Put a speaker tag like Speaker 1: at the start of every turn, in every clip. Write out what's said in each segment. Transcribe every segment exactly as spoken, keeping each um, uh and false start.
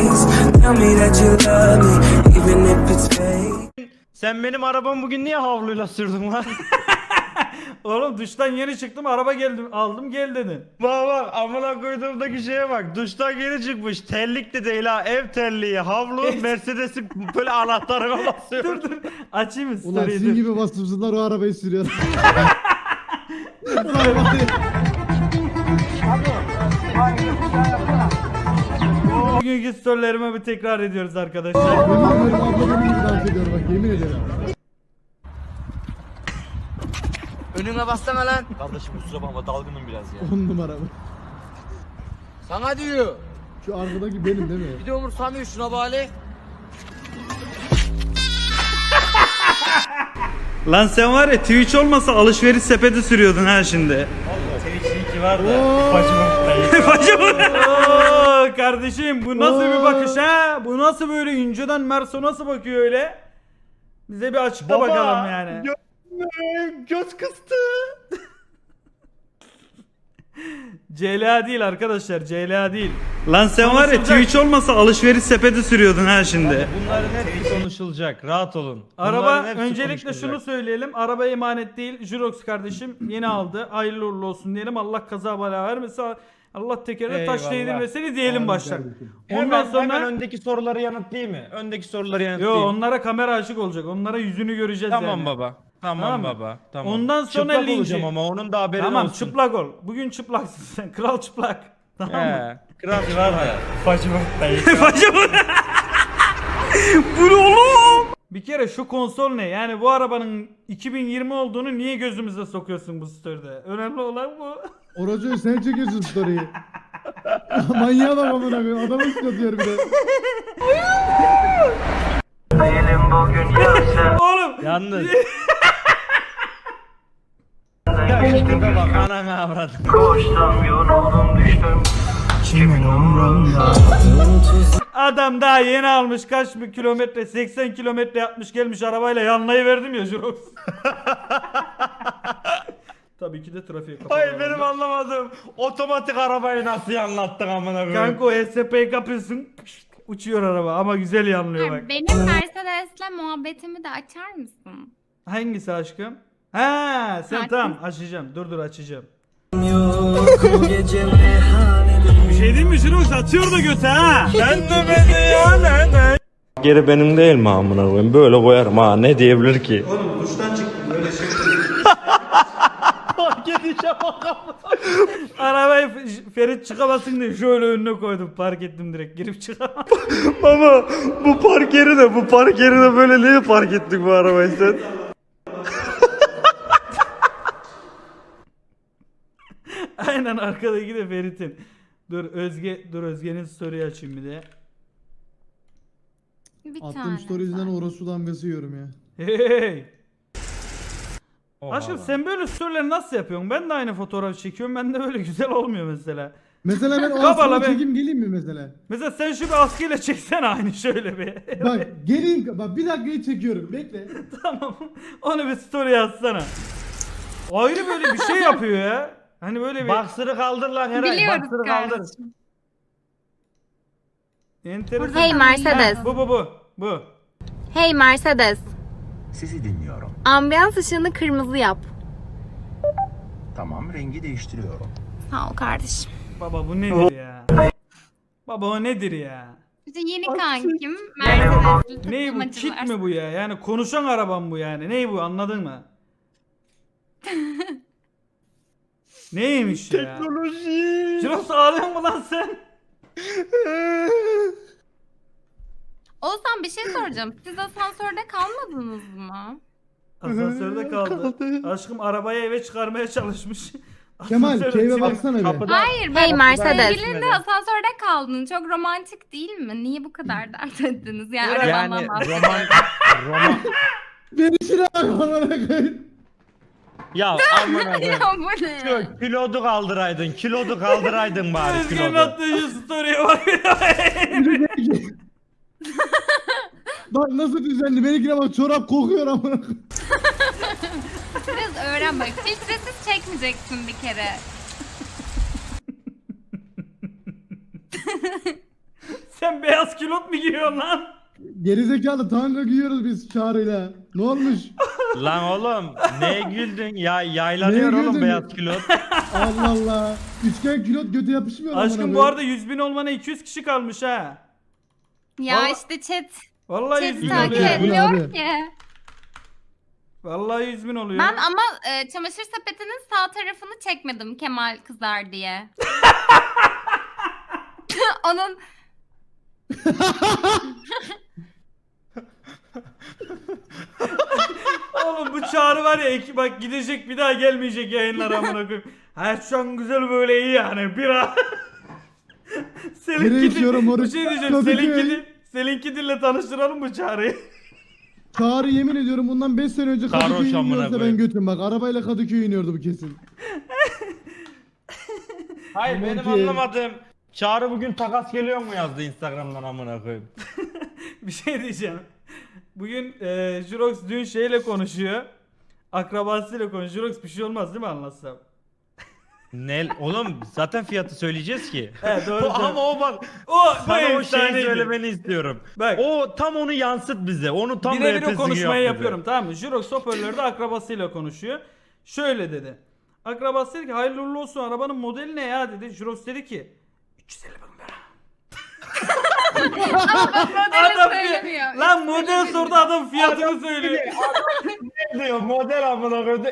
Speaker 1: face. Tell me that you love me, even if it's fake.
Speaker 2: Sen benim arabamı bugün niye havluyla sürdün lan?
Speaker 3: Oğlum duştan yeni çıktım, araba geldim aldım gel dedin.
Speaker 2: Bak bak amına koyduğumdaki şeye bak. Duştan yeni çıkmış. Terlik de değil ha. Ev terliği, havlu, Mercedes'in böyle anahtarına basıyor.
Speaker 3: Dur dur açayım mı
Speaker 4: Ulan
Speaker 3: story'i?
Speaker 4: sizin
Speaker 3: dur.
Speaker 4: gibi vasıfsızlar o arabayı sürüyor.
Speaker 3: Bugünkü storylerime bir tekrar ediyoruz arkadaşlar.
Speaker 4: Yemin ederim abla benim gibi dans ediyor bak yemin ederim.
Speaker 5: Önüme bassana lan.
Speaker 6: Kardeşim kusura bakma dalgınım biraz ya.
Speaker 4: On numara bu.
Speaker 5: Sana diyor.
Speaker 4: Şu arkadaki benim değil mi?
Speaker 5: Bir de umursamıyor şuna bari.
Speaker 3: Lan sen var ya Twitch olmasa alışveriş sepeti sürüyordun ha şimdi.
Speaker 2: Twitch ki var da.
Speaker 3: Oo, kardeşim bu nasıl bir bakış ha? Bu nasıl böyle inceden Merso nasıl bakıyor öyle? Bize bir açıkla bakalım yani.
Speaker 2: Gö- göz kıstı.
Speaker 3: C L A değil arkadaşlar, C L A değil. Lan sen var ya Twitch olmasa alışveriş sepeti sürüyordun ha şimdi.
Speaker 2: Bunların hepsi konuşulacak. Rahat olun.
Speaker 3: Araba
Speaker 2: Bunların hepsi
Speaker 3: öncelikle
Speaker 2: konuşulacak.
Speaker 3: şunu söyleyelim. Araba emanet değil. Jurox kardeşim yeni aldı. Hayırlı uğurlu olsun diyelim. Allah kaza bela vermesin. Allah tekerine taş
Speaker 2: Eyvallah.
Speaker 3: değdirmesini diyelim
Speaker 4: Amin
Speaker 3: baştan.
Speaker 4: kardeşim.
Speaker 3: Ondan
Speaker 2: Hemen,
Speaker 3: sonra
Speaker 2: hemen öndeki soruları yanıtlayayım mı? Öndeki soruları
Speaker 3: yo
Speaker 2: yanıtlayayım.
Speaker 3: onlara kamera açık olacak. Onlara yüzünü göreceğiz
Speaker 2: Tamam
Speaker 3: yani.
Speaker 2: baba. Tamam,
Speaker 3: Tamam mı?
Speaker 2: baba. Tamam.
Speaker 3: Ondan sonra
Speaker 2: çıplak
Speaker 3: linci.
Speaker 2: olacağım ama onun da haberi
Speaker 3: Tamam
Speaker 2: olsun.
Speaker 3: çıplak ol. Bugün çıplaksın sen. Kral çıplak. Tamam mı?
Speaker 2: He. Kral var da.
Speaker 3: Bu ne oğlum? Bir kere şu konsol ne? Yani bu arabanın iki bin yirmi olduğunu niye gözümüze sokuyorsun bu story'de? Önemli olan bu.
Speaker 4: Oracı sen çekiyorsun story'i. Manyağı da amına koyayım. Adamı sıkatıyor bir de.
Speaker 3: Oğlum.
Speaker 2: Yalnız. Ya işte bak anana avradım.
Speaker 3: Adam daha yeni almış kaç bir kilometre seksen kilometre yapmış gelmiş arabayla yanlayı verdim ya Jurox. Tabii ki de trafiğe kapalı.
Speaker 2: Hayır benim anlamadım. Otomatik arabayı nasıl anlattın amına koyayım?
Speaker 3: Kanka o S P'yi kapıyorsun uçuyor araba ama güzel yanlıyor bak.
Speaker 7: Benim Mercedes'le muhabbetimi de açar mısın?
Speaker 3: Hangisi aşkım? Ha sen
Speaker 7: Sakin.
Speaker 3: tamam açacağım dur dur açacağım.
Speaker 1: Bu gece meyhanede.
Speaker 3: Bir şey diyeyim mi Jurox atıyor da göte ha.
Speaker 2: Sen de beni ya ne ne? Geri benim değil mi amına koyayım? Böyle koyarım ha ne diyebilir ki?
Speaker 3: Oğlum duştan çıktım böyle şey.
Speaker 2: Fark edeceğim bakalım.
Speaker 3: Arabayı F- Ferit çıkamasın diye şöyle önüne koydum park ettim direkt girip çıkamam.
Speaker 2: Baba bu park yeri de bu park yeri de böyle niye park ettik bu arabayı sen?
Speaker 3: Aynen arkadaki de Ferit'in. Dur Özge dur Özge'nin story açayım bir de.
Speaker 7: Bir
Speaker 4: Attığım
Speaker 7: tane.
Speaker 4: story yüzünden orası damgası yiyorum ya.
Speaker 3: Hey. Aşkım sen böyle storyleri nasıl yapıyorsun? Ben de aynı fotoğraf çekiyorum. Ben de böyle güzel olmuyor mesela.
Speaker 4: Mesela ben o
Speaker 3: Kapalı
Speaker 4: askıya
Speaker 3: be.
Speaker 4: çekeyim geleyim mi mesela?
Speaker 3: Mesela sen şu bir askıyla çeksene aynı şöyle bir.
Speaker 4: Bak geleyim bak bir dakikayı çekiyorum bekle.
Speaker 3: Tamam. Onu bir story yazsana. Ayrı böyle bir şey yapıyor ya. Hani böyle bir
Speaker 2: Baksırı kaldır lan Eray.
Speaker 7: Biliyoruz
Speaker 2: Baksırı kaldır.
Speaker 7: kardeşim.
Speaker 3: enteresan.
Speaker 7: Hey Mercedes.
Speaker 3: Ha, bu bu bu. Bu.
Speaker 7: Hey Mercedes.
Speaker 8: Sizi dinliyorum.
Speaker 7: Ambiyans ışığını kırmızı yap.
Speaker 8: Tamam, rengi değiştiriyorum.
Speaker 7: Sağ ol kardeşim.
Speaker 3: Baba bu nedir ya? Baba o nedir ya?
Speaker 7: İşte yeni kankim Mercedes'li
Speaker 3: Ney bu?
Speaker 7: takılmacılar.
Speaker 3: Kit mi bu ya? Yani konuşan arabam bu yani. Ney bu anladın mı? Neymiş ya?
Speaker 2: Teknoloji.
Speaker 3: Jirox ağlıyor mu lan sen?
Speaker 7: Oğuzhan bir şey soracağım. Siz asansörde kalmadınız mı?
Speaker 3: Asansörde kaldı. Aşkım arabayı eve çıkarmaya çalışmış.
Speaker 4: Kemal
Speaker 3: Asansörde
Speaker 4: keyfe
Speaker 3: çıkar-
Speaker 4: baksana bir.
Speaker 2: Kapıda-
Speaker 7: Hayır
Speaker 2: Hey
Speaker 7: ben
Speaker 2: Mercedes.
Speaker 7: sevgilinle asansörde kaldın. Çok romantik değil mi? Niye bu kadar dert ettiniz? Yani, arabandan
Speaker 2: Yani
Speaker 7: bahsediyorum.
Speaker 2: roman roman
Speaker 4: Beni şuna bak amına koyayım.
Speaker 2: ya amına koyayım.
Speaker 7: Ya bu ne?
Speaker 2: Şu kilodu kaldıraydın. Kilodu kaldıraydın bari
Speaker 3: Özge'nin
Speaker 2: kilodu.
Speaker 3: attığı şu story'e bak.
Speaker 4: Bak nasıl düzenli benimkine bak çorap kokuyor amına koyayım.
Speaker 7: Biraz öğren bak. Filtresiz çekmeyeceksin bir kere.
Speaker 3: Sen beyaz külot mu giyiyorsun lan?
Speaker 4: Gerizekalı tanga giyiyoruz biz Çağrı'yla. Ne olmuş?
Speaker 2: Lan oğlum neye güldün? Ya yaylanıyor
Speaker 4: Neye
Speaker 2: oğlum
Speaker 4: güldün?
Speaker 2: beyaz külot.
Speaker 4: Allah Allah. Üçgen külot göte yapışmıyor amına
Speaker 3: Aşkım bu
Speaker 4: koyayım.
Speaker 3: arada yüz bin olmana iki yüz kişi kalmış ha.
Speaker 7: Ya
Speaker 3: Vallahi-
Speaker 7: işte chat,
Speaker 3: Vallahi yüz
Speaker 7: chat
Speaker 3: bin
Speaker 7: takip
Speaker 3: oluyor.
Speaker 4: et.
Speaker 7: etmiyor
Speaker 4: Abi.
Speaker 7: ki.
Speaker 3: Vallahi yüz bin oluyor.
Speaker 7: Ben ama e, çamaşır sepetinin sağ tarafını çekmedim Kemal kızar diye. Onun
Speaker 3: Oğlum bu Çağrı var ya iki, bak gidecek bir daha gelmeyecek yayınlara amına koyayım. Her şu an güzel böyle iyi yani bir an.
Speaker 4: Nereye
Speaker 3: Selinki
Speaker 4: içiyorum
Speaker 3: bir
Speaker 4: orası?
Speaker 3: şey diyeceğim.
Speaker 4: Kadıköy.
Speaker 3: Selinki Selinki dille tanıştıralım bu Çağrı'yı.
Speaker 4: Çağrı yemin ediyorum bundan beş sene önce
Speaker 2: Sarhoş
Speaker 4: Kadıköy'e
Speaker 2: amına
Speaker 4: iniyorsa ben
Speaker 2: koyayım.
Speaker 4: götüm bak. Arabayla Kadıköy'e iniyordu bu kesin.
Speaker 2: Hayır
Speaker 4: Aman
Speaker 2: benim
Speaker 4: ki.
Speaker 2: anlamadığım Çağrı bugün takas geliyor mu yazdı Instagram'dan amına koyayım.
Speaker 3: Bir şey diyeceğim. Bugün e, Jurox dün şeyle konuşuyor. Akrabasıyla konuşuyor. Jurox bir şey olmaz değil mi anlatsam?
Speaker 2: Ne oğlum zaten fiyatı söyleyeceğiz ki.
Speaker 3: He doğru.
Speaker 2: O- ama o bak
Speaker 3: o bu
Speaker 2: sana o şeyi
Speaker 3: efsaneydi.
Speaker 2: söylemeni istiyorum.
Speaker 3: Bak.
Speaker 2: O tam onu yansıt bize. Onu tam
Speaker 3: Birebir o
Speaker 2: repesini
Speaker 3: konuşmayı
Speaker 2: yap bize.
Speaker 3: yapıyorum tamam mı? Jurox hoparlörde akrabasıyla konuşuyor. Şöyle dedi. Akrabası dedi ki hayırlı uğurlu olsun arabanın modeli ne ya dedi. Jurox dedi ki üç yüz elli bin lira.
Speaker 7: modeli
Speaker 3: Adam
Speaker 7: söylemiyor.
Speaker 3: fi- Lan model sordu adam fiyatını söylüyor.
Speaker 2: Ne diyor model amına koyayım.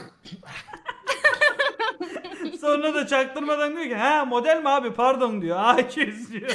Speaker 3: Sonra da çaktırmadan diyor ki ha model mi abi pardon diyor. A iki yüz diyor.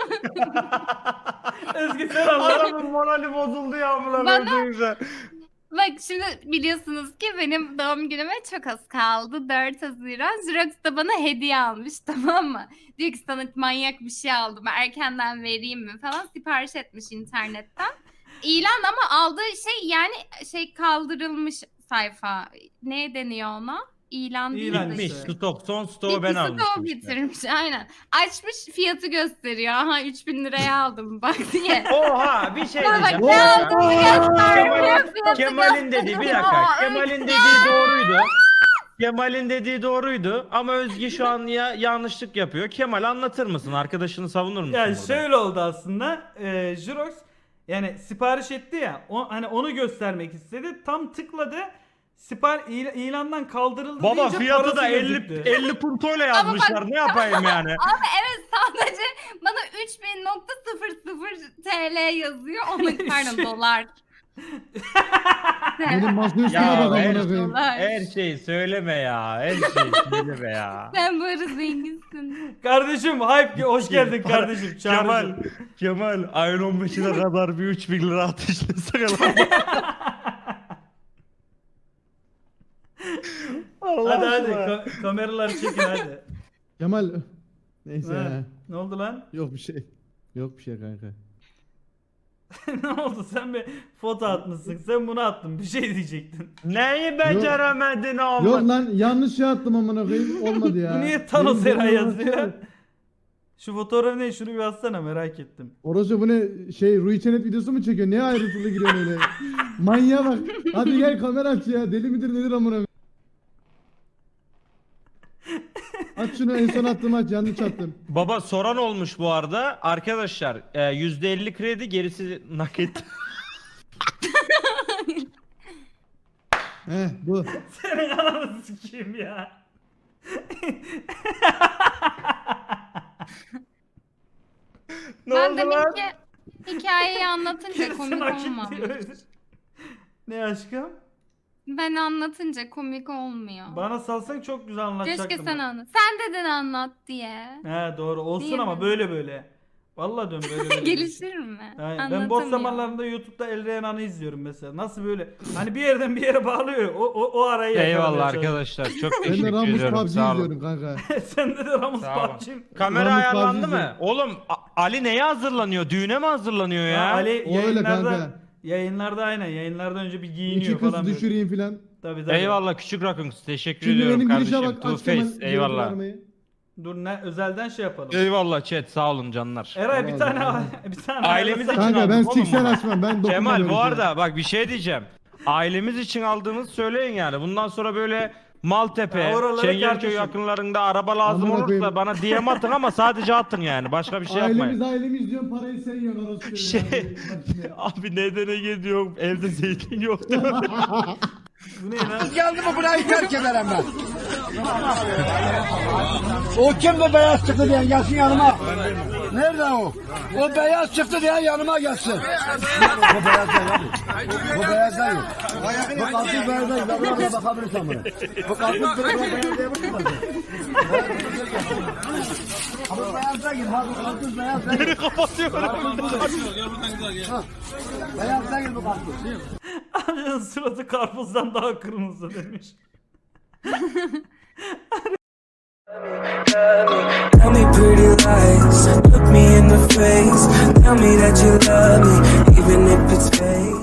Speaker 3: Özgü sen anladın.
Speaker 2: Adamın morali bozuldu ya amına
Speaker 7: Bana-
Speaker 2: koyayım güzel.
Speaker 7: Bak şimdi biliyorsunuz ki benim doğum günüme çok az kaldı. dört Haziran. Jurox da bana hediye almış tamam mı? Diyor ki sana manyak bir şey aldım. Erkenden vereyim mi falan. Sipariş etmiş internetten. İlan ama aldığı şey yani şey kaldırılmış sayfa. Ne deniyor ona? İlan değil
Speaker 3: İlan
Speaker 7: de
Speaker 2: Bitmiş.
Speaker 7: işte.
Speaker 2: Stok son stoğu ben
Speaker 7: İkisi de o
Speaker 2: almıştım. işte.
Speaker 7: getirmiş aynen. Açmış fiyatı gösteriyor. Aha üç bin liraya aldım bak diye.
Speaker 2: Oha bir şey
Speaker 7: Sonra bak
Speaker 2: diyeceğim.
Speaker 7: ne aldığını göstermiyor.
Speaker 2: Kemal'in,
Speaker 7: fiyatı
Speaker 2: Kemal'in dediği bir dakika.
Speaker 7: Aa,
Speaker 2: Kemal'in dediği doğruydu. Kemal'in dediği doğruydu ama Özge şu an ya yanlışlık yapıyor. Kemal anlatır mısın? Arkadaşını savunur musun?
Speaker 3: Yani
Speaker 2: burada?
Speaker 3: şöyle oldu aslında. E, Jurox yani sipariş etti ya. O, hani onu göstermek istedi. Tam tıkladı. Sipar il- ilandan kaldırıldı
Speaker 2: Baba
Speaker 3: deyince
Speaker 2: fiyatı
Speaker 3: parası
Speaker 2: da
Speaker 3: gözüktü.
Speaker 2: elli elli puntoyla yazmışlar. Ne yapayım yani?
Speaker 7: Ama evet sadece bana üç bin nokta sıfır sıfır T L yazıyor. Onu pardon dolar.
Speaker 4: Benim masa üstüne
Speaker 2: Ya
Speaker 4: bak
Speaker 2: her,
Speaker 4: amına koyayım.
Speaker 7: dolar.
Speaker 2: her şeyi söyleme ya. Her şeyi söyleme ya.
Speaker 7: Sen böyle zenginsin.
Speaker 3: Kardeşim hype hoş geldin kardeşim.
Speaker 2: Kemal,
Speaker 3: Çağrı'cığım.
Speaker 2: Kemal ayın on beşine kadar bir üç bin lira ateşlesene lan. Allah
Speaker 3: Hadi hadi
Speaker 2: aşkına.
Speaker 3: ka- kameraları çekin hadi.
Speaker 4: Kemal. Neyse
Speaker 3: Ha,
Speaker 4: ya.
Speaker 3: ne oldu lan?
Speaker 4: Yok bir şey. Yok bir şey kanka.
Speaker 3: Ne oldu sen bir foto atmışsın. Sen bunu attın. Bir şey diyecektin.
Speaker 2: Neyi beceremedin oğlum?
Speaker 4: Yok lan yanlış şey attım amına koyayım. Olmadı ya.
Speaker 3: Bu niye Thanos
Speaker 4: Benim
Speaker 3: Eray
Speaker 4: boynuma
Speaker 3: yazıyor?
Speaker 4: baksana.
Speaker 3: Şu fotoğraf ne? Şunu bir atsana merak ettim.
Speaker 4: Orası bu ne şey Rui Çenet videosu mu çekiyor? Niye ayrıntılı giriyorsun öyle? Manyağa bak. Hadi gel kamera aç ya. Deli midir nedir amına koyayım? Aç şunu en son attım aç yanlış attım.
Speaker 2: Baba soran olmuş bu arada. Arkadaşlar e, yüzde elli kredi gerisi nakit.
Speaker 4: Heh bu.
Speaker 3: Senin ananı sikeyim ya.
Speaker 2: Ne
Speaker 7: Ben
Speaker 2: oldu
Speaker 7: demin
Speaker 2: lan?
Speaker 7: ki hikayeyi anlatınca komik
Speaker 3: Nakit
Speaker 7: olmamış.
Speaker 3: diyor. Ne aşkım?
Speaker 7: Ben anlatınca komik olmuyor.
Speaker 3: Bana salsan çok güzel anlatacaktım.
Speaker 7: Keşke sen anlat. Sen dedin anlat diye.
Speaker 3: He doğru olsun
Speaker 7: Değil
Speaker 3: ama
Speaker 7: mi?
Speaker 3: böyle böyle. Vallahi dön böyle böyle.
Speaker 7: Gelişir mi?
Speaker 3: Aynen. Ben boş
Speaker 7: Anlatamıyor.
Speaker 3: zamanlarında YouTube'da El Reyhan'ı izliyorum mesela. Nasıl böyle? Hani bir yerden bir yere bağlıyor. O o, o arayı yakalamaya
Speaker 2: Eyvallah
Speaker 3: çalışıyor.
Speaker 2: arkadaşlar. Çok
Speaker 4: Ben de
Speaker 2: teşekkür
Speaker 4: Ramus
Speaker 2: ediyorum.
Speaker 4: P U B G
Speaker 2: Sağ olun.
Speaker 4: izliyorum kanka.
Speaker 3: Sende de Ramus
Speaker 2: Sağ olun.
Speaker 3: P U B G.
Speaker 2: Kamera
Speaker 4: Ramus
Speaker 2: ayarlandı
Speaker 4: P U B G
Speaker 2: mı? Oğlum A- Ali neye hazırlanıyor? Düğüne mi hazırlanıyor ya?
Speaker 3: Ya Ali
Speaker 4: O öyle
Speaker 3: yayınlarda
Speaker 4: kanka.
Speaker 3: yayınlarda aynen yayınlardan önce bir giyiniyor
Speaker 4: İki kız
Speaker 3: falan. böyle.
Speaker 4: düşüreyim filan.
Speaker 3: Tabii tabii.
Speaker 2: Eyvallah küçük rakım. Teşekkür
Speaker 4: Şimdi
Speaker 2: ediyorum
Speaker 4: benim girişe
Speaker 2: kardeşim.
Speaker 4: bak
Speaker 2: Two
Speaker 4: aç Kemal.
Speaker 2: Face. Eyvallah.
Speaker 3: Dur ne özelden şey yapalım.
Speaker 2: Eyvallah chat sağ olun canlar.
Speaker 3: Eray bir
Speaker 4: Allah
Speaker 3: tane
Speaker 4: Allah.
Speaker 3: bir tane
Speaker 2: Ailemiz
Speaker 3: ayarlasana.
Speaker 2: için
Speaker 4: Kanka ben
Speaker 2: aldık oğlum
Speaker 4: siksen
Speaker 2: bunu.
Speaker 4: açmam ben dokunmam
Speaker 2: Kemal
Speaker 4: öyle
Speaker 2: bu
Speaker 4: şeye.
Speaker 2: arada bak bir şey diyeceğim. Ailemiz için aldığımız söyleyin yani. Bundan sonra böyle Maltepe,
Speaker 3: Ya oraları
Speaker 2: Çengelköy
Speaker 3: kardeşim.
Speaker 2: yakınlarında araba lazım
Speaker 4: Amına
Speaker 2: olursa
Speaker 4: koyayım.
Speaker 2: bana D M atın ama sadece atın yani. Başka bir şey
Speaker 4: Ailemiz
Speaker 2: yapmayın.
Speaker 4: ailemiz diyorsun parayı sen yiyorsun orası.
Speaker 2: Şey- Abi nedene gidiyorum evde zeytin yoktu.
Speaker 3: Bu ne lan?
Speaker 5: Geldi mi burayı terk ederim ben. O kim bu beyaz çıktı diye gelsin yanıma. Nerede o? O beyaz çıktı diye yanıma gelsin. Bu beyaz değil abi. Bu beyaz değil. Bu kalsız beyaz değil. Ben buraya bakabilirsen buna. Bu kalsız beyaz değil. Bu beyaz değil. Bak bu kalsız beyaz değil.
Speaker 2: Geri kapatıyorum.
Speaker 5: Beyaz değil bu kalsız.
Speaker 3: Amcanın suratı karpuzdan daha kırmızı demiş.
Speaker 1: Tell me pretty lies, look me in the face. Tell me that you love me, even if it's fake.